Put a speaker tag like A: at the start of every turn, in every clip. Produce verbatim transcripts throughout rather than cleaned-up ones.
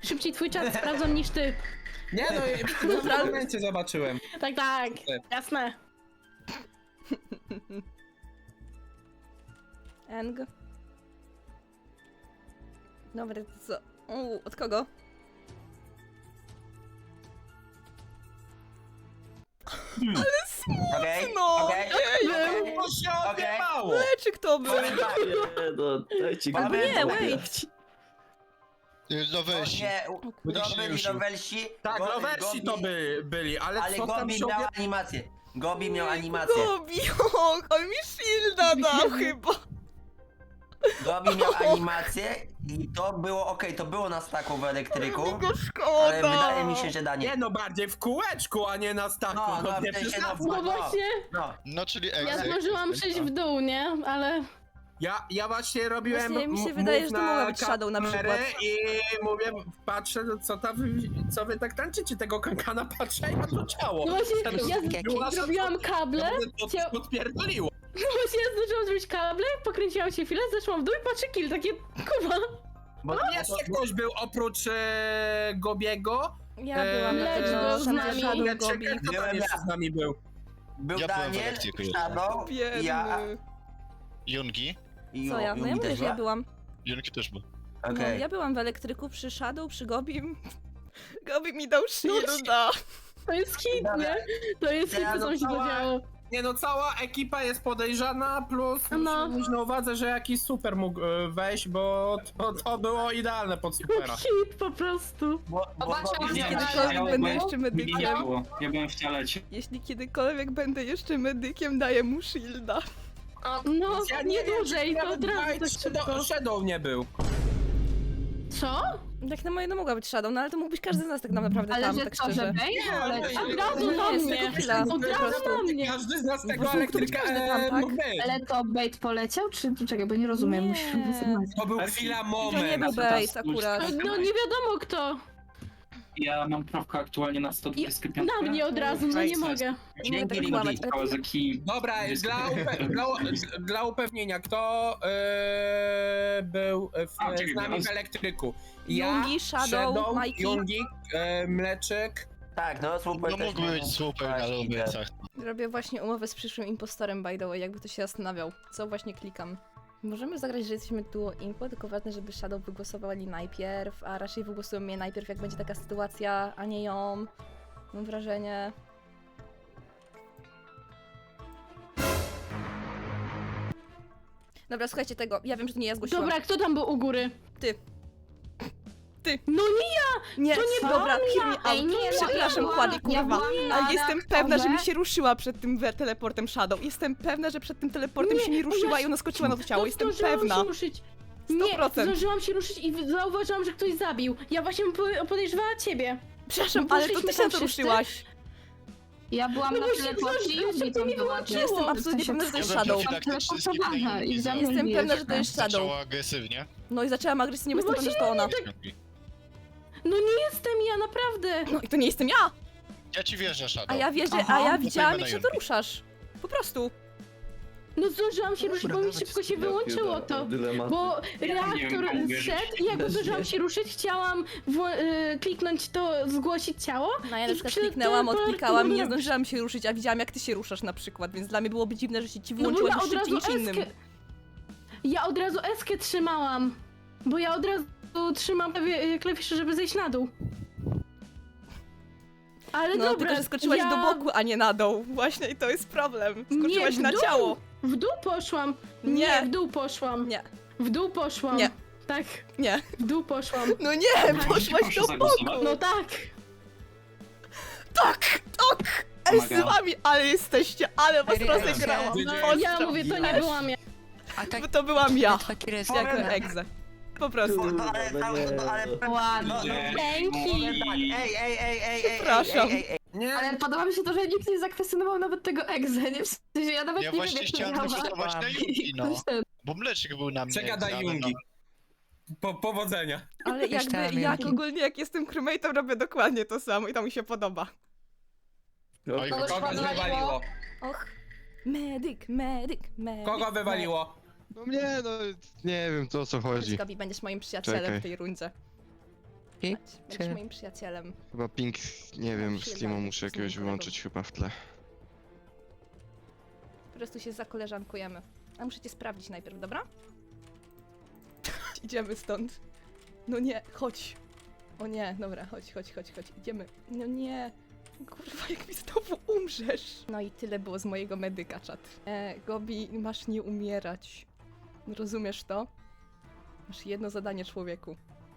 A: szybciej twój czat sprawdzam niż ty.
B: Nie no, w tym momencie zobaczyłem.
A: Tak, tak, jasne.
C: Eng. Dobra, to co? U, od kogo?
D: Hmm.
C: Ale smutno!
D: Okej,
C: No!
D: okej.
A: Był.
B: To się
D: Okej.
B: odjebało!
C: Leczyk to był!
D: Powiem tak.
E: Nie, no, dajcie go.
C: Albo nie,
D: Powiem-
C: wait!
F: Do
D: O
F: weź.
D: nie,
F: Będziesz się
D: byli
F: ruszył.
D: Nowelsi.
B: Tak,
D: Go-
B: rowersi
D: Gobi-
B: to by byli, ale,
D: Ale
B: co tam
D: Gobi
B: się
D: miał
B: odje...
D: animację. Gobi miał animację.
C: Gobi, o, on mi shielda dał chyba!
D: Gobi miał animację i to było okej, to było na staku w elektryku.
C: Mi go
D: Ale
C: szkoda!
D: wydaje mi się, że Daniel.
B: Nie no, bardziej w kółeczku, a nie na staku.
D: No, no,
B: nie
D: w sensie,
B: przesadzaj.
A: No właśnie,
D: No,
F: No czyli
A: ja
F: egzek.
A: zdążyłam przejść w dół, nie? Ale...
B: Ja, ja właśnie robiłem
C: Właśnie mi się
B: m-
C: wydaje,
B: move
C: że to
B: na
C: mogła być Shadow na
B: kamerę
C: przykład.
B: I mówię, patrzę, co, ta, wy- co wy tak tańczycie, tego kankana patrzę i ma to ciało.
A: No właśnie,
B: Wtedy
A: ja
B: była-
A: zrobiłam kable,
B: to
A: cię-
B: podpierdoliło.
A: no właśnie ja zdążyłam zrobić kable, pokręciłam się chwilę, zeszłam w dół i patrzę kill, takie kuba.
D: bo
B: Jeszcze ktoś był oprócz e, Gobiego.
C: Ja
B: Eee,
C: byłam na
A: Lecz
C: tego
A: był z nami.
C: Shadow
B: Lecz
C: Gobi.
B: kto
D: Byłem
B: tam jeszcze
D: ja.
B: z nami był?
D: był
F: Ja byłem w
D: Daniel,
F: elektryku jeszcze.
D: Shadow, ja
C: Biedny.
F: Jungi?
D: i
C: Co ja? No ja
D: Yumi
C: mówię,
D: też
C: że ja
D: była?
C: byłam.
F: Jungi też był.
C: No,
D: Okej.
C: ja byłam w elektryku przy Shadow, przy Gobim. Gobi mi dał shielda.
A: To jest hit, nie? To jest hit,
D: Ja
A: co tam się
B: dostała-
A: zadziało.
B: Nie no, cała ekipa jest podejrzana, plus
A: No.
B: musimy mieć na uwadze, że jakiś super mógł e, wejść, bo to, to było idealne pod supera.
A: Hit po prostu.
D: Bo, bo
G: Zobaczmy,
D: Gobi
G: nie,
D: miał-
C: Kiedykolwiek
G: ja
C: będę
G: byłem-
C: jeszcze
G: Mnie nie
C: medykiem.
G: było, ja byłem w toalecie.
C: Jeśli kiedykolwiek będę jeszcze medykiem, daję mu shielda.
A: No,
B: Ja
A: nie
B: wiem,
A: dłużej,
B: czy
A: to od
B: nawet
A: razu tak
B: White
A: szybko.
B: Shadow, Shadow nie był.
A: Co?
C: Tak na moje no mogła być Shadow, no ale to mógł być każdy z nas tak naprawdę
G: Ale
C: tam,
G: że
C: tak
G: co, że
C: szczerze.
G: Bane? Ale
B: ale-
A: Od razu na
C: Nie, z
A: mnie.
C: tego chwila,
A: Od
C: po
A: razu
C: prostu.
A: na mnie.
B: Każdy z nas
C: Po
B: tego
C: prostu mógł to być
B: elektryka
C: każdy tam,
B: e,
C: tak?
B: mógł być.
G: Ale to bait poleciał, czy czy czekaj, bo nie rozumiem,
C: Nie.
G: musisz wysyłać.
B: To był chwila
C: To nie
B: moment.
C: był bait akurat.
A: No nie wiadomo kto.
G: Ja mam prawkę aktualnie na sto dwadzieścia pięć.
A: Na mnie od razu, no nie mogę.
C: Nie
D: Dzięki,
C: tak
D: Lili.
C: kłamać, ale
G: Kawasaki.
B: Dobra, dla, upe dla, dla upewnienia, kto e, był w,
G: A, czekaj,
B: z nami
G: teraz-
B: w elektryku? Ja,
C: Jungi, Shadow, Mikey.
B: Jungi, e, Mleczek.
D: Tak, no super.
F: No
D: też
F: mógł
D: miał-
F: być super na
D: Tak, i tak.
F: lubicach.
C: robię właśnie umowę z przyszłym impostorem, by the way, jakby to się zastanawiał. Co właśnie klikam. Możemy zagrać, że jesteśmy duo impo, tylko ważne, żeby Shadow wygłosowali najpierw, a raczej wygłosują mnie najpierw, jak będzie taka sytuacja, a nie ją. Mam wrażenie. Dobra, słuchajcie tego. Ja wiem, że to nie ja zgłosiłam.
A: Dobra, kto tam był u góry?
C: Ty. Ty.
A: No nie,
C: Nie,
A: to nie
C: dobra, hear me
G: Ej,
C: out.
G: nie, no,
C: Przepraszam,
G: ja
C: Kłady,
G: byłam- ja
C: kurwa.
G: byłam na
C: Ale jestem
G: reaktorze.
C: pewna, że mi się ruszyła przed tym we- teleportem Shadow. Jestem pewna, że przed tym teleportem
A: Nie,
C: się nie
A: bo
C: ruszyła
A: ja
C: i ona skoczyła na to ciało.
A: no
C: Jestem
A: zdążyłam
C: pewna.
A: się ruszyć.
C: sto
A: Nie,
C: procent.
A: zdążyłam się ruszyć i zauważyłam, że ktoś zabił. Ja właśnie po- podejrzewała ciebie.
C: Przepraszam,
A: No
C: ale to ty
A: poszliśmy
C: się na
A: tam
C: to
A: wszyscy.
C: ruszyłaś.
G: Ja byłam
A: No
G: na
A: bo się
G: teleporcie i
A: zdążyłam,
G: Yugi
A: to
G: tam
A: nie
G: była.
A: wyłączyło.
C: Jestem
A: W
C: absolutnie pewna, że to jest Shadow.
F: Tak, te wszystkie
G: teleportowana i za mną
C: Jestem
G: bije.
C: pewna, że to jest Shadow.
F: Zaczęła agresywnie.
C: No i zaczęłam agresywnie, bo
A: No
C: jestem pewna, że to ona.
A: No nie jestem ja, naprawdę.
C: No i to nie jestem ja!
F: Ja ci wierzę, Shadow.
C: A ja wierzę,
G: Aha.
C: a ja
F: Głosujmy
C: widziałam,
F: na
C: jak się
F: Jungi.
C: to ruszasz. Po prostu.
A: No zdążyłam się ruszyć, bo mi
F: nawet
A: szybko się
E: Ja
A: wyłączyło
E: pierdolę,
A: to.
E: dylematy.
A: Bo
G: nie wiem,
A: reaktor
G: komu wierzyć.
A: zszedł i jak zdążyłam się ruszyć, chciałam wło- y, kliknąć to, zgłosić ciało.
C: No ja na
A: I
C: przykład
A: przy
C: kliknęłam,
A: teleport-
C: odklikałam i nie zdążyłam się ruszyć, a widziałam, jak ty się ruszasz na przykład, więc dla mnie byłoby dziwne, że się ci
A: No bo
C: wyłączyło
A: ja
C: już
A: od
C: szybciej
A: razu
C: niż innym.
A: eskę... Ja od razu eskę trzymałam. Bo ja od razu trzymam klawi- klawisze, żeby zejść na dół. Ale
C: No,
A: dobra,
C: tylko że skoczyłaś
A: ja...
C: do boku, a nie na dół. Właśnie i to jest problem.
A: Nie,
C: Skoczyłaś
A: w
C: na
A: dół.
C: ciało.
A: W dół poszłam.
C: Nie.
A: Nie, w dół poszłam.
C: Nie,
A: W dół poszłam.
C: Nie.
A: Tak,
C: nie.
A: w dół poszłam.
C: No nie, poszłaś
G: proszę
C: do
G: zagłosować.
C: boku.
A: No tak.
C: Tak, tak. Ej, z
G: Pomaga.
C: wami, ale jesteście, ale was
H: Ej,
C: rozegrałam.
B: ej,
A: No,
B: ej,
A: ja mówię, to nie byłam ja.
H: A tak,
C: Bo to byłam ja,
H: taki rys.
C: jako egze. Po prostu.
D: No, ale, ale, ale,
G: Ładnie.
D: no,
A: Dzięki.
D: tak, ej, ej, ej, ej, ej, ej,
C: Przepraszam.
D: ej, ej, ej.
B: Nie,
G: Ale podoba mi się to, że nikt nie zakwestionował nawet tego egze, nie? W sensie ja nawet
F: Ja
G: nie
F: właśnie
G: wiem, jak to
F: chciałem
G: działa.
F: zagłosować na Jungi, no. Bo Mleczek był na mnie.
B: przegadaj
F: ale
B: Jungi.
F: no.
B: Po, powodzenia.
C: Ale jakby,
H: Myślałem,
C: jak
H: Jungi.
C: ogólnie, jak jestem crewmate'em, robię dokładnie to samo i to mi się podoba.
F: Oj,
G: Kogoś
B: Kogo
G: wywaliło?
B: wywaliło?
C: Och. Medyk, medyk, medyk.
B: Kogo wywaliło?
I: No mnie, no nie wiem to o co chodzi.
C: Gabi, będziesz moim przyjacielem
I: Czekaj.
C: w tej rundzie.
H: Majki?
C: Będziesz
H: Czy...
C: moim przyjacielem.
H: Chyba ping, nie wiem,
C: Się
H: Steama
C: dalej,
H: muszę
C: z moim
H: jakiegoś
C: kolegą.
H: wyłączyć chyba w tle.
C: Po prostu się zakoleżankujemy. A muszę cię sprawdzić najpierw, dobra? Idziemy stąd. No nie, chodź. O nie, dobra, chodź, chodź, chodź, chodź. Idziemy. No nie. Kurwa, jak mi znowu umrzesz. No i tyle było z mojego medyka, czat. E, Gobi, masz nie umierać. Rozumiesz to? Masz jedno zadanie, człowieku.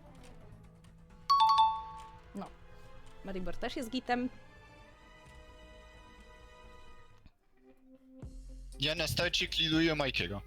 C: No. Maribor też jest gitem.
F: Ja na starcie kliduję Majkiego.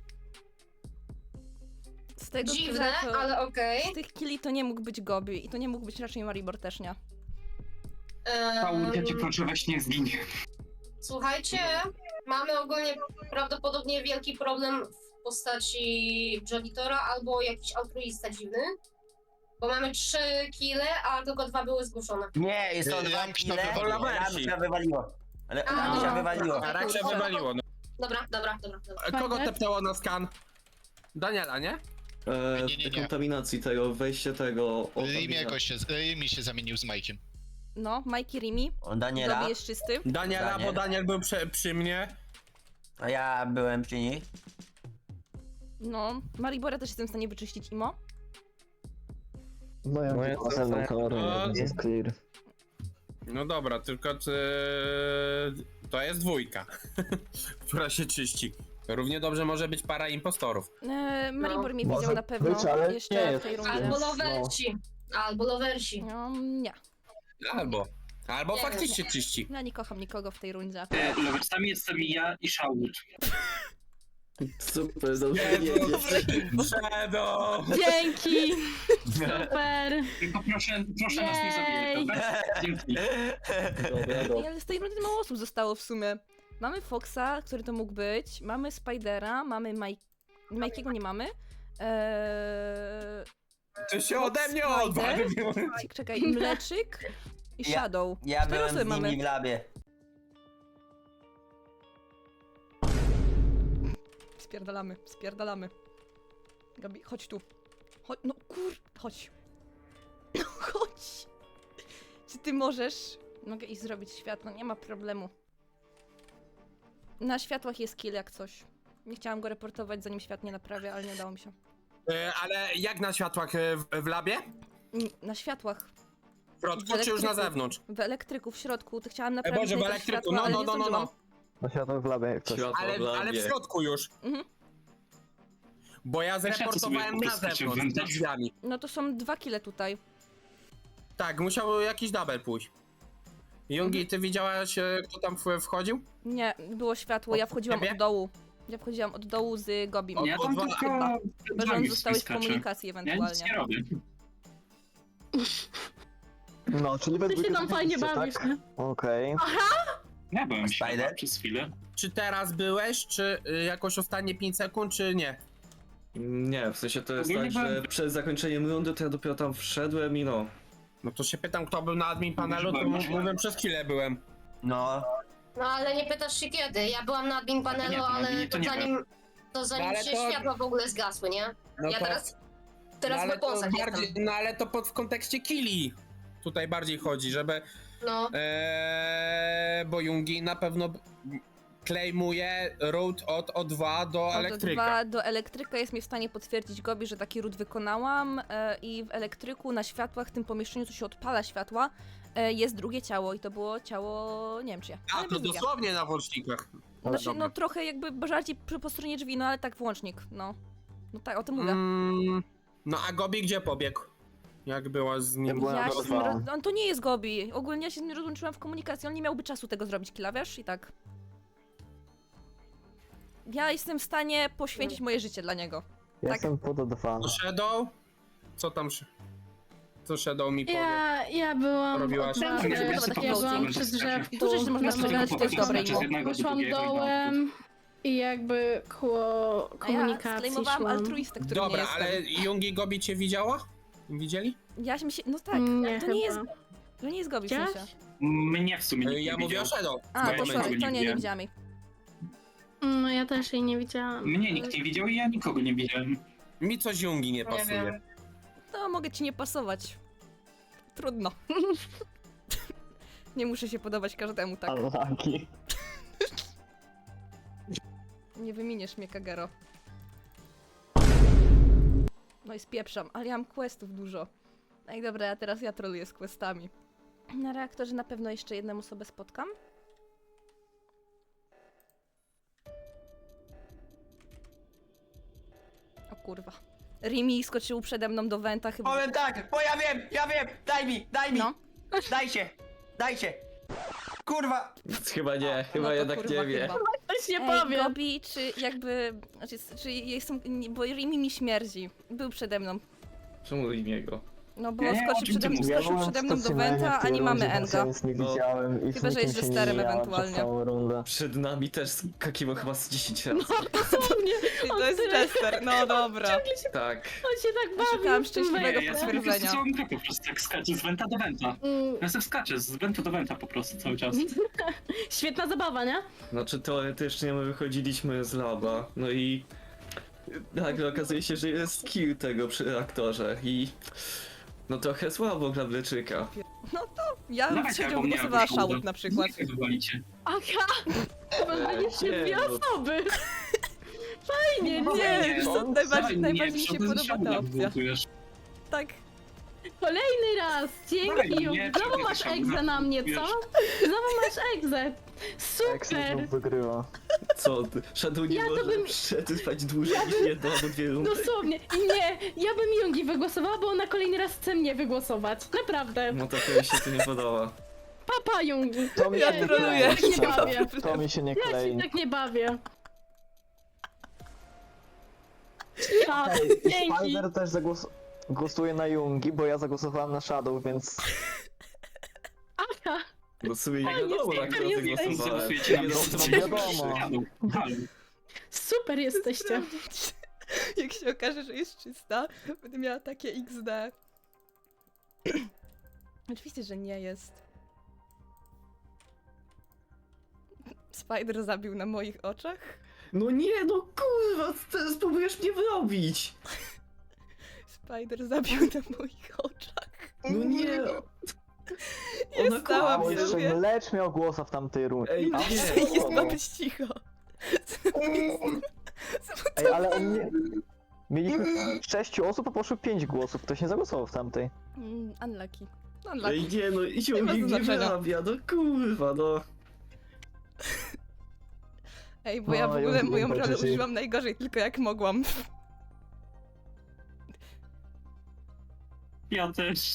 C: Z tego
I: Dziwne,
C: co- to-
I: ale okej.
C: Z tych killi to nie mógł być Gobi i to nie mógł być raczej Maribor też, nie?
I: Em,
J: ja cię proszę, weź nie zgiń.
I: Słuchajcie, mamy ogólnie prawdopodobnie wielki problem w postaci Jolitora albo jakiś altruista dziwny. Bo mamy trzy kile, a tylko dwa były zgłoszone.
D: Nie, jest to
F: Ja
D: dwa
F: bym się
D: kile,
F: wywalił.
D: Ramcia wywaliło. Ale
I: A,
D: Ramcia wywaliło.
I: dobra.
B: Raczej wywaliło. No.
I: Dobra, dobra, dobra. dobra.
B: A kogo
A: Fajne.
B: tepnęło na skan? Daniela, nie?
E: E,
F: Nie, nie, nie.
E: dekontaminacji tego, wejście tego...
F: Rimiego się, Rimi się zamienił z Majkiem.
C: No, Mikey Rimi.
D: O, Daniela,
C: Gobi jest czysty.
B: Daniela,
D: Daniel.
B: bo Daniel był przy, przy mnie.
D: a ja byłem przy niej.
C: No, Maribora też jestem w stanie wyczyścić, Imo.
E: No ja
H: Moja
E: mam ze mną
H: ocena-
E: kamerę,
B: A,
E: więc jest clear.
B: No dobra, tylko ty... to jest dwójka, która się czyści. Równie dobrze może być para impostorów.
C: E, Maribor mnie
E: Może
C: widział na pewno
E: być, ale
C: jeszcze
E: nie
C: w
E: jest.
C: tej rundzie.
I: Albo lowersi. Albo lowersi.
C: No, nie.
B: Albo. Albo
I: Nie,
B: faktycznie czyści.
C: Ja nie kocham nikogo w tej rundzie.
J: Leweczcami jestem ja i Shaul.
E: Super, dobrze jedziesz.
B: Shadow!
A: Dzięki! Super!
J: Tylko proszę, proszę nas nie zabijać, dobra? Dzięki.
E: Dobra,
C: Ej,
E: dobra.
C: ale z tej rundy mało osób zostało w sumie. Mamy Foxa, który to mógł być, mamy Spidera, mamy Mike... Mikey'ego nie mamy. Eee...
B: Ty się ode mnie
C: Spider?
B: odwalił!
C: Czekaj, Mleczyk i
D: Ja-
C: Shadow.
D: Ja
C: Cztery
D: byłem
C: osoby
D: z nimi
C: mamy.
D: w labie.
C: Spierdalamy, spierdalamy. Gabi, chodź tu. Chodź, no kur... Chodź. No chodź. Czy ty możesz? Mogę iść zrobić światło, nie ma problemu. Na światłach jest kill jak coś. Nie chciałam go reportować zanim świat nie naprawia, ale nie udało mi się.
B: E, Ale jak na światłach e, w, w labie?
C: N- Na światłach.
B: W środku
C: W
B: czy już na
C: elektryku.
B: zewnątrz?
C: W elektryku, w środku. To chciałam
B: E,
C: naprawić
B: Boże, w
C: najpierw
B: elektryku,
C: światła,
B: no,
C: ale
B: no,
C: nie
B: no, no,
C: zdążyłam.
B: no.
E: Na światło w labie jak coś.
B: Ale, ale w środku już.
C: Mhm.
B: Bo ja
J: Też ja to sobie
B: zreportowałem
J: po
B: na
J: prostu
B: zewnątrz,
J: wewnątrz.
B: przed drzwiami.
C: No to są dwa kile tutaj.
B: Tak, musiał jakiś double pójść. Jungi, ty widziałaś, e, kto tam w- wchodził?
C: Nie, było światło, ja
B: Od
C: wchodziłam
B: ciebie?
C: od dołu. Ja wchodziłam od dołu z Gobim.
B: Od-
J: Ja tam
B: dwa-
J: tylko
C: Chyba że on
J: drzwi
C: zostałeś w
J: skaczę.
C: komunikacji
J: Ja nic nie
C: ewentualnie.
J: robię.
E: No, czyli we
A: Ty się
E: dwójkę
A: tam fajnie
E: zrobiliście,
A: bawisz,
E: tak?
A: nie?
E: Okej.
J: Ja byłem
D: Spider?
J: światła przez chwilę.
B: Czy teraz byłeś, czy y, jakoś ostatnie pięć sekund, czy nie?
E: Nie, w sensie to jest
J: Ogólnie
E: tak, że
J: byłem-
E: przed zakończeniem rundy to ja dopiero tam wszedłem i no.
B: No to się pytam, kto był na admin panelu, to
J: Byłem na
B: m-
J: światło.
B: mówię, przez chwilę byłem.
D: No,
I: No ale nie pytasz się kiedy. Ja byłam na admin panelu,
J: nie, to
I: ale
J: nie, to
I: to
J: nie
I: zanim, to zanim
B: No ale
I: się
B: to-
I: światła w ogóle zgasły, nie?
B: No
I: Ja
B: to,
I: teraz,
B: no
I: teraz w
B: ale to
I: weaponsach
B: bardziej,
I: jestem.
B: no ale to pod, w kontekście killi. Tutaj bardziej chodzi, żeby,
I: No.
B: ee, bo Jungi na pewno b- claimuje route od O dwa do
C: Od
B: elektryka.
C: dwa do elektryka jest mi w stanie potwierdzić Gobi, że taki ród wykonałam e, i w elektryku na światłach, w tym pomieszczeniu, co się odpala światła, e, jest drugie ciało i to było ciało, nie wiem czy ja,
B: A,
C: ale
B: to
C: bez bicia.
B: dosłownie na włącznikach.
C: Znaczy,
B: Dobra.
C: no trochę jakby bardziej przy, po stronie drzwi, no ale tak włącznik, no. No tak, o tym mówię.
B: Mm, no a Gobi gdzie pobiegł? Jak była z nim?
E: byłem
C: Ja
E: na
C: się z nim
E: dwa.
C: roz... On to nie jest Gobi. Ogólnie ja się z nim rozłączyłam w komunikacji, on nie miałby czasu tego zrobić, killa, wiesz? I tak. Ja jestem w stanie poświęcić moje życie dla niego.
E: Ja
C: Tak.
E: jestem pod dwa.
B: Shadow? Co tam? sz- Co Shadow mi powie?
A: Ja, ja byłam
B: Robiłaś-
A: od
B: Ja
A: razu,
J: sobie po
A: ja
J: prostu
A: byłam
J: będę
A: przy
J: stracił.
A: drzewku.
C: Dużo rzeczy można
J: Ja sobie
C: przegadać,
J: tylko
C: to jest
J: popatrzę
C: dobre
J: przez
C: imo.
J: jednego do
A: Poszłam
J: drugiego i na
A: dołem i jakby koło
C: A ja
A: komunikacji
C: sklejmowałam
A: szłam.
C: altruistę, który
B: Dobra,
C: nie jestem.
B: ale Jungi Gobi cię widziała? Widzieli?
C: Ja mi się... No tak,
A: Nie,
C: to nie jest...
A: chyba.
C: To nie jest Gobi w
A: Widziałaś?
C: sensie.
J: Mnie w sumie nikt
B: Y, Ja
J: nie
B: mówię o
J: widział.
B: Shadow.
C: A,
J: Ja
C: to
J: nikogo
C: sorry,
J: nie
C: to nie, nie
J: widziałem.
C: widziałam jej.
A: No ja też jej nie widziałam.
J: Mnie nikt nie widział i ja nikogo nie widziałem.
B: Mi coś Jungi nie
I: Nie
B: pasuje.
I: wiem.
C: To mogę ci nie pasować. Trudno. Nie muszę się podobać każdemu, tak.
E: Unlucky.
C: Nie wyminiesz mnie, Kagero. No i spieprzam, ale ja mam questów dużo. No i dobra, a teraz ja troluję z questami. Na reaktorze na pewno jeszcze jedną osobę spotkam. O kurwa. Rimi skoczył przede mną do Wenta chyba.
D: Powiem tak, bo ja wiem, ja wiem, daj mi, daj mi,
C: No.
D: dajcie, dajcie. Kurwa.
E: Chyba nie, chyba
C: No to
E: jednak
C: kurwa
E: nie wie.
C: chyba.
A: Coś nie
C: Ej,
A: powiem.
C: Gobi, czy jakby... Znaczy, czy jestem... nie, bo Rimi mi śmierdzi. Był przede mną.
E: Czemu imiego?
C: No bo
J: Nie, o
C: skoczył
J: czym ty
C: przede,
J: mówisz?
C: skoczył przede mną do Wenta, a nie mamy Enga.
E: nie widziałem i
C: Chyba, że jest ze starym ewentualnie.
E: Przed nami też skakiwał chyba z dziesięć razy.
A: Dosłownie.
C: Ej, to jest Chester, no dobra.
E: Tak.
A: On się tak bawi.
C: Szukałam
A: w tym
C: szczęśliwego
J: Nie, ja
A: wejściu.
J: sobie po prostu
C: potwierdzenia.
J: całą grę po prostu tak skaczę z wenta do wenta.
A: Mm,
J: Ja sobie skaczę z wenta do wenta po prostu cały czas.
A: Świetna zabawa, nie?
E: Znaczy teoretycznie my wychodziliśmy z laba, no i nagle okazuje się, że jest kill tego przy reaktorze i no trochę słabo dla Bleczyka.
C: Ja bym
J: Dawajcie,
C: siedział
J: albo mnie,
C: wygłosowała
J: albo
C: szałut
J: Szałda.
C: na przykład.
J: Jak wywalicie?
A: Aha! Wywaliliście
E: Nie,
A: dwie
E: no.
A: osoby. Fajnie,
J: No,
A: nie?
C: Nie,
J: no,
C: to najbardziej,
J: fajnie,
C: najbardziej mi się
J: żaden
C: podoba ta
J: Szałda
C: opcja.
J: blokujesz.
C: Tak.
A: Kolejny raz! Dzięki!
J: Fajnie,
A: Ju.
J: nie,
A: Znowu
J: czekaj,
A: masz
J: Szałda,
A: egzę na mnie, co?
J: wiesz.
A: Znowu masz egzę! Super!
E: wygrywa. Co ty? Shadow nie
A: Ja to
E: może
A: bym-
E: przetrwać dłużej niż jedno albo dwie rundy.
A: Dosłownie. I nie, ja bym Jungi wygłosowała, bo ona kolejny raz chce mnie wygłosować. Naprawdę.
E: No to mi się to nie podoba.
A: Papa Jungi.
E: To mi
C: Ja
A: Nie,
C: troluję.
A: ja się tak nie bawię.
E: To mi się nie
A: Ja się tak nie bawię. Tak, dzięki.
E: też zagłos... głosuje na Jungi, bo ja zagłosowałem na Shadow, więc...
A: Aha.
E: No w sumie nie
A: Fajnie,
E: wiadomo,
A: super
E: na kogo ty
A: jesteś.
E: głosowałem.
J: Głosujecie na mnie,
E: No,
J: to
E: to
J: co
E: wiadomo.
J: Halo, halo.
A: Super jesteście.
C: Jak się okaże, że jest czysta, będę miała takie iks de. Oczywiście, że nie jest. Spider zabił na moich oczach?
E: No nie, no kurwa, teraz próbujesz mnie wrobić.
C: Spider zabił na moich oczach.
E: No nie.
C: Ja stałam
E: kłamie.
C: sobie.
H: Mlecz miał głosa w tamtej rundzie.
E: Ej,
C: Nie,
E: nie.
C: jest ma być cicho.
H: Ej, ale on nie... Mieliśmy sześciu osób, a poszło pięć głosów. Ktoś nie zagłosował w tamtej.
C: Mm, unlucky. Unlucky.
E: Ej, nie, no i
C: ma
E: Jungi mnie
C: znaczenia.
E: wyrabia, no kurwa, no.
C: Ej, bo ja w
H: No,
C: ogóle
H: ja
C: moją
H: wiem,
C: rolę
H: że-
C: użyłam najgorzej, tylko jak mogłam.
J: Ja też.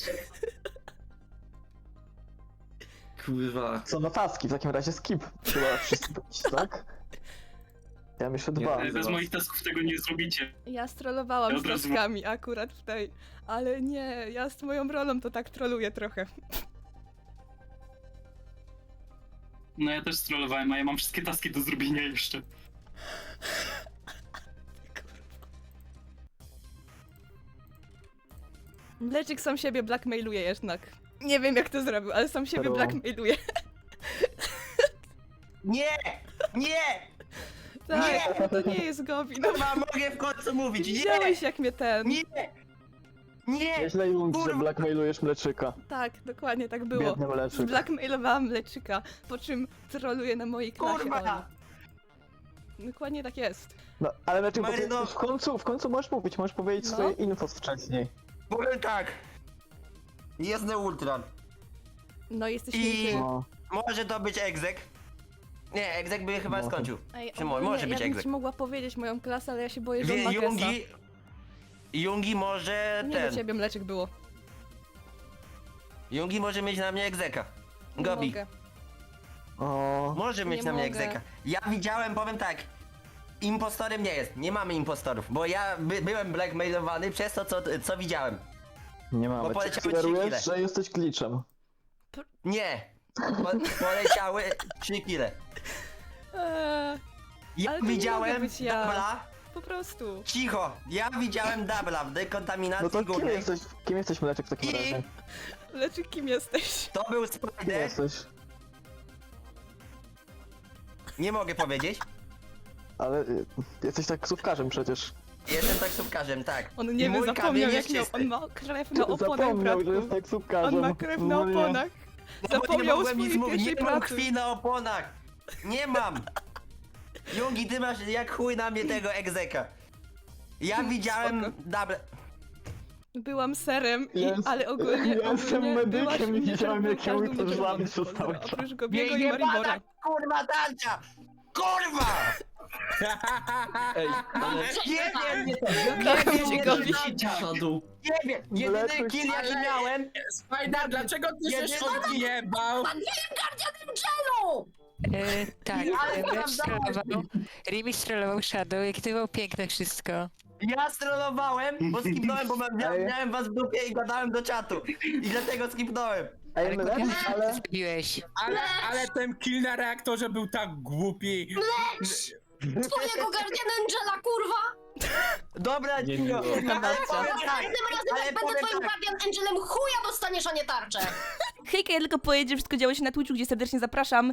E: Kurwa.
H: Co na taski, w takim razie skip. Chyba wszyscy pójść, tak? Ja mam jeszcze
E: Nie,
H: dwa.
E: to
J: Bez moich tasków tego nie zrobicie.
C: Ja strollowałam
J: Ja
C: z
J: od razu-
C: taskami akurat w tej, ale nie, ja z moją rolą to tak troluję trochę.
J: No ja też strollowałem, a ja mam wszystkie taski do zrobienia jeszcze.
C: Mleczyk sam siebie blackmailuje jednak. Nie wiem jak to zrobił, ale sam siebie
H: Pero-
C: blackmailuje.
D: Nie! Nie!
C: Tak, to nie jest Gobi. No
D: Chyba mogę w końcu mówić, nie!
C: widziałeś jak mnie ten...
D: Nie! Nie!
H: Nieźle Jungi, że
D: Kurwa.
H: blackmailujesz Mleczyka.
C: Tak, dokładnie tak było.
H: Biedny Mleczyk.
C: Zblackmailowałam Mleczyka, po czym troluje na mojej klasie
D: Kurwa!
C: Oli. Dokładnie tak jest.
H: No, ale Mleczyk, bo ty
D: Maryno.
H: w końcu, w końcu możesz mówić, możesz powiedzieć
C: No.
H: swoje info wcześniej.
D: Powiem tak. Jest na ultran.
C: No jesteś
D: I-
C: nie ty.
H: No.
D: Może to być egzek. Nie, egzek by chyba
H: Może.
D: skończył.
C: Ej,
D: Szymon,
C: ogólnie
D: może być
C: ja bym
D: egzek.
C: ci mogła powiedzieć moją klasę, ale ja się boję, że on
D: Wie,
C: ma gesa.
D: Jungi... Jungi może
C: Nie
D: ten...
C: do ciebie Mleczek było.
D: Jungi może mieć na mnie egzeka.
C: Nie
D: Gobi.
C: mogę.
H: O,
D: Może mieć
C: Nie
D: na mnie
C: mogę.
D: egzeka. Ja widziałem, powiem tak. Impostorem nie jest. Nie mamy impostorów, bo ja by, byłem blackmailowany przez to, co, co widziałem.
H: nie mamy. Czy
D: poleciały trzy
H: sugerujesz,
D: kile.
H: że jesteś glitchem?
D: Nie! Po, poleciały trzy kile.
C: Eee,
D: Ja
C: Ale to nie
D: widziałem
C: mogę być ja.
D: dubla.
C: po prostu.
D: Cicho! Ja widziałem dubla w dekontaminacji
H: No to kim
D: górnej.
H: jesteś, kim jesteś Mleczek w takim
D: I-
H: razie?
C: Mleczek, kim jesteś?
D: To był
H: Kim
D: Spider.
H: jesteś?
D: Nie mogę powiedzieć.
H: Ale y, jesteś taksówkarzem przecież.
D: Jestem taksówkarzem, tak.
C: On
D: I
C: nie wie,
D: mój
C: zapomniał
D: kamień
C: jak
D: jest
C: miał,
D: czysty.
C: on ma krew na oponach,
H: Zapomniał, że
C: bratku.
H: jest taksówkarzem.
C: On ma krew na
H: No nie.
C: oponach.
D: No bo nie
C: Zapomniał o
D: mogłem nic
C: swojej
D: mówić, nie
C: pierwszej
D: mam
C: pracy.
D: krwi na oponach. Nie mam. Jungi, ty masz jak chuj na mnie tego egzeka. Ja widziałem... Dobra.
C: Byłam serem, i,
H: Jest-
C: ale ogólnie,
H: ja jestem
C: ogólnie
H: medykiem
C: byłaś
H: i
C: mnie,
H: widziałem, jak
C: każdy
H: ja
C: mnie
H: to
C: czerwony
H: żlabi przez
C: pozdro,
H: cały czas.
C: Oprócz Gobiego i Maribora.
D: kurwa tarcza! Kurwa!
E: Ej, ale
D: Nie wiem, nie,
C: Kocham
D: nie
C: cię,
D: wiem,
C: Gobi.
E: Shadow,
D: nie wiem, jedyny
H: Mleczek-
D: kill jaki miałem...
B: Spider, dlaczego ty się
D: Jedyny-
B: odjebał?
K: E, tak,
D: Ale
K: e,
D: tam
K: Red strollował, Rimi strollował Shadow, jak to było piękne wszystko.
D: Ja strollowałem, bo skipnąłem, bo mia
H: Ej.
D: miałem was w dupie i gadałem do czatu. I dlatego skipnąłem.
H: Ej,
K: Ale
H: Mlecz,
K: kupiłem,
H: ale...
K: zrobiłeś.
B: Ale, ale ten kill na reaktorze był tak głupi.
I: Twojego Guardian Angela, kurwa!
D: Dobra,
E: Nie
D: Cino,
E: było.
D: ale powiem tak,
I: Następnym razem
D: ale
I: jak będę
D: powiem
I: twoim
D: tak.
I: Guardian Angelem, chuja dostaniesz, a nie tarczę!
C: Hejka, ja tylko powiedzieć, że wszystko działo się na Twitchu, gdzie serdecznie zapraszam.